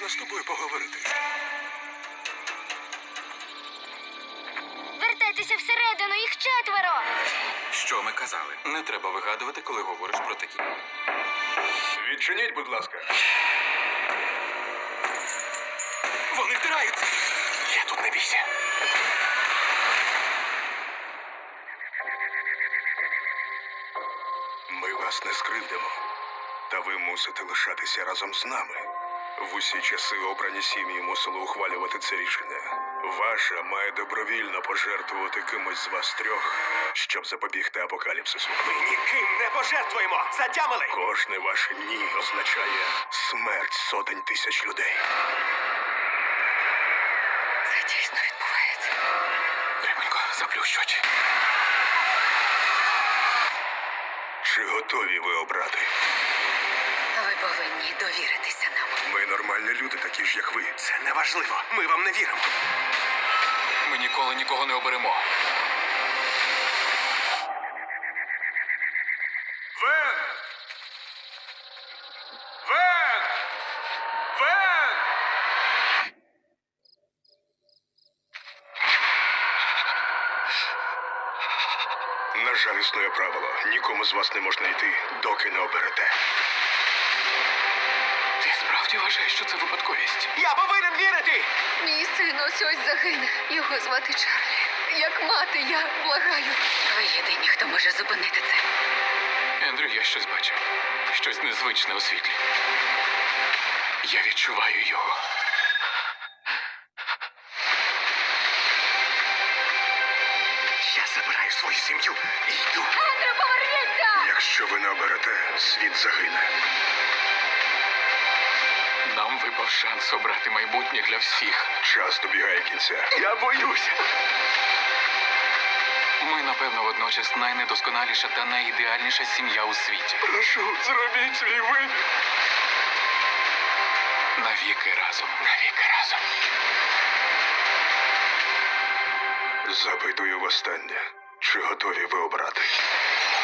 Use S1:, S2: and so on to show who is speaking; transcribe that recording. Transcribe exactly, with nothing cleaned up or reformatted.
S1: Можна з тобою поговорити?
S2: Вертайтеся всередину, їх четверо!
S3: Що ми казали? Не треба вигадувати, коли говориш про такі.
S1: Відчиніть, будь ласка. Вони втираються. Я тут, не бійся. Ми вас не скривдимо. Та ви мусите лишатися разом з нами. В усі часи обрані сім'ї мусили ухвалювати це рішення. Ваша має добровільно пожертвувати кимось з вас трьох, щоб запобігти апокаліпсису.
S4: Ми ніким не пожертвуємо! Затямили!
S1: Кожне ваше «ні» означає смерть сотень тисяч людей.
S2: Це дійсно відбувається.
S3: Римонько, заплющ очі.
S1: Чи готові ви обрати?
S2: Ви повинні довіритися нам.
S1: Ми нормальні люди, такі ж, як ви.
S4: Це неважливо. Ми вам не віримо.
S3: Ми ніколи нікого не оберемо.
S1: Вен! Вен! Вен! На жаль, існує правило. Нікому з вас не можна йти, доки не оберете.
S3: Ти справді вважаєш, що це випадковість?
S4: Я повинен вірити!
S2: Мій син ось ось загине. Його звати Чарлі. Як мати, я благаю. Ви єдині, хто може зупинити це.
S3: Ендрю, я щось бачив. Щось незвичне у світлі. Я відчуваю його.
S4: Я забираю свою сім'ю і йду.
S2: Ендрю, поверніться!
S1: Якщо ви не оберете, світ загине.
S3: Нам випав шанс обрати майбутнє для всіх.
S1: Час добігає кінця.
S4: Я боюся.
S3: Ми, напевно, водночас найнедосконаліша та найідеальніша сім'я у світі.
S4: Прошу, зробіть свій вибір.
S3: Навіки разом. Навіки разом.
S1: Запитую востаннє. Чи готові ви обрати?